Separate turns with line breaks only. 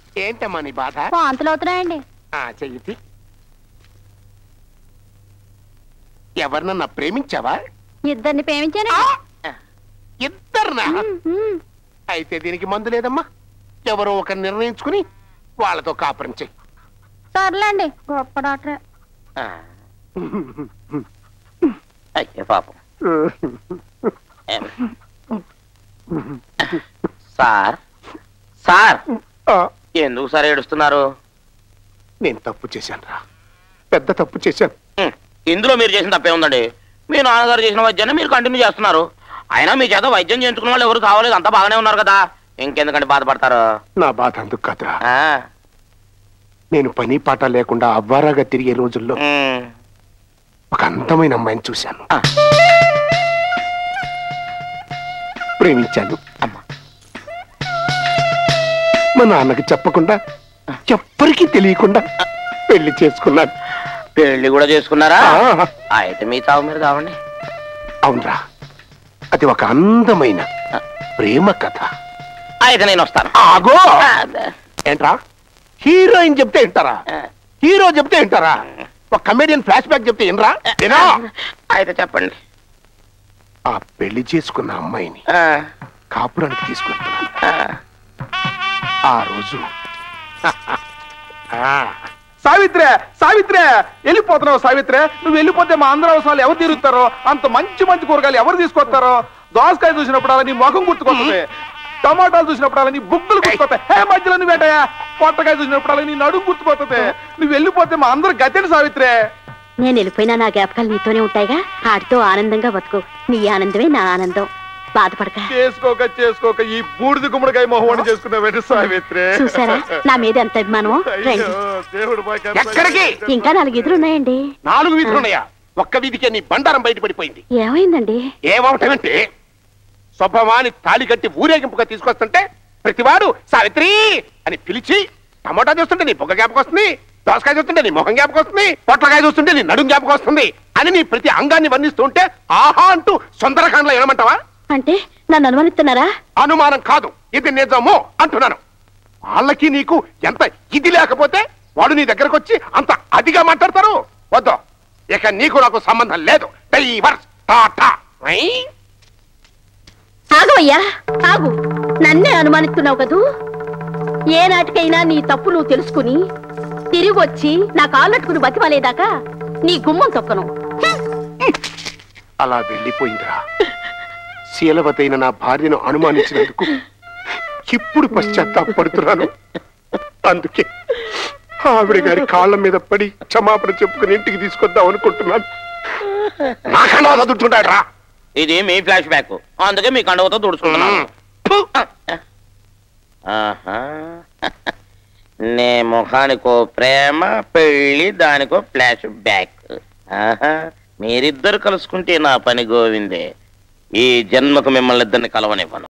ఏంటమ్మా నీ బాధ?
వాంతులు అవుతున్నాయండి.
చెయ్యి. ఎవరినన్నా ప్రేమించావా?
ఇద్దరిని ప్రేమించాను.
ఇద్దరునా? అయితే దీనికి మందు లేదమ్మా. ఎవరో ఒక నిర్ణయించుకుని వాళ్ళతో కాపురం చెయ్యి.
సర్లేండి, గొప్ప డాక్టరే.
అయ్యే పాపం. సార్ సార్ ఎందుకు సార్ ఏడుస్తున్నారు?
నేను తప్పు చేశాను రా, పెద్ద తప్పు చేశాను.
ఇందులో మీరు చేసిన తప్పే ఉందండి. మీ నాన్నగారు చేసిన వైద్యాన్ని మీరు కంటిన్యూ చేస్తున్నారు. అయినా మీ చేత వైద్యం చేయించుకున్న వాళ్ళు ఎవరు కావలేదు, అంతా బాగానే ఉన్నారు కదా, ఇంకెందుకంటే బాధపడతారు?
నా బాధ అందుకు కాదురా, నేను పని పాట లేకుండా అవ్వారాగా తిరిగే రోజుల్లో ఒక అందమైన అమ్మాయిని చూశాను, ప్రేమించాను. మా నాన్నకి చెప్పకుండా, ఎవ్వరికీ తెలియకుండా పెళ్లి చేసుకున్నాను.
పెళ్లి కూడా చేసుకున్నారా? అయితే మీ చావు మీరు కావండి.
అవునరా, అది ఒక అందమైన ప్రేమ కథ.
అయితే నేను వస్తాను.
ఆగో! ఏంట్రా, హీరోయిన్ చెప్తే వింటారా? హీరో చెప్తే వింటారా? ఒక కమెడియన్ ఫ్లాష్ బ్యాక్ చెప్తే వినరా?
అయితే చెప్పండి.
ఆ పెళ్లి చేసుకున్న అమ్మాయిని కాపురానికి తీసుకెళ్తున్నాను. ఆ రోజు
సావిత్రే, సావిత్రే, వెళ్ళిపోతున్నావు సావిత్రే. నువ్వు వెళ్ళిపోతే మా అందరూ అవసరాలు ఎవరు తీరుతారో, అంత మంచి మంచి కూరగాయలు ఎవరు తీసుకొస్తారో. దోసకాయ చూసినప్పుడు అలా నీ ముఖం గుర్తుకొస్తుంది, టమాటాలు చూసినప్పుడు అలా నీ బుక్కులు గుర్తుకొస్తాయి. హే మధ్యలో నువ్వు వేటయా, పొట్టకాయ చూసినప్పుడు అలా నీ నడుము గుర్తుకొస్తుంది. నువ్వు వెళ్ళిపోతే మా అందరు గతేంటి సావిత్రే.
నేను వెళ్ళిపోయినా నా జ్ఞాపకాలు నీతోనే ఉంటాయిగా, ఆడితో ఆనందంగా బతుకు. నీ ఆనందమే నా ఆనందం, బాధపడక.
చేసుకోక చేసుకోక ఈ బూడిద గుమ్మడికాయ మొహం చేసుకున్నావు సావిత్రే.
చూసారా నా మీద ఎంత అభిమానం.
ఎక్కడికి?
ఇంకా 4 వీధులు ఉన్నాయండి.
4 వీధులు ఉన్నాయా? ఒక్క వీధికే నీ బండారం బయటపడిపోయింది.
ఏమైందండి?
ఏమవటమంటే, స్వభావాన్ని తాళి కట్టి ఊరేగింపుగా తీసుకొస్తుంటే ప్రతివాడు సావిత్రి అని పిలిచి, టమోటా చూస్తుంటే నీ బొగ్గ జ్ఞాపకం వస్తుంది, దోసకాయ చూస్తుంటే నీ మొహం జ్ఞాపకం వస్తుంది, పొట్లకాయ చూస్తుంటే నీ నడుం జ్ఞాపకం వస్తుంది అని నీ ప్రతి అంగాన్ని వర్ణిస్తుంటే ఆహా అంటూ సుందరకాండలో ఏమంటావా?
అంటే నన్ను అనుమానిస్తున్నారా?
అనుమానం కాదు, ఇది నిజమో అంటున్నాను. వాళ్ళకి నీకు ఎంత ఇది లేకపోతే వాడు నీ దగ్గరకు వచ్చి అంత అదిగా మాట్లాడతారు. వద్దు, ఇక నీకు నాకు సంబంధం లేదు. డైవర్స్ టాటా.
ఆగవయ్యా, ఆగు. నన్నే అనుమానిస్తున్నావు కదూ. ఏ నాటికైనా నీ తప్పు నువ్వు తెలుసుకుని తిరిగి వచ్చి నా కాళ్ళట్టుకుని బతిమాలేదాకా నీ గుమ్మం తొక్కను.
అలా వెళ్ళిపోయిందిరా. శీలవతైన నా భార్యను అనుమానించినందుకు ఇప్పుడు పశ్చాత్తాపడుతున్నాను. అందుకే ఆవిడ గారి కాళ్ళ మీద పడి క్షమాపణ చెప్పుకుని ఇంటికి తీసుకొద్దాం అనుకుంటున్నాను. నా కండవ చదువుతుంటాడు రా.
ఇది మీ ఫ్లాష్ బ్యాక్, అందుకే మీ కండవతో తుడుచుకుంటున్నాను. నే ముఖానికో ప్రేమ, పెళ్లి దానికో ఫ్లాష్ బ్యాక్. మీరిద్దరు కలుసుకుంటే నా పని గోవిందే. ఈ జన్మకు మిమ్మల్ని ఇద్దరిని కలవనివ్వను.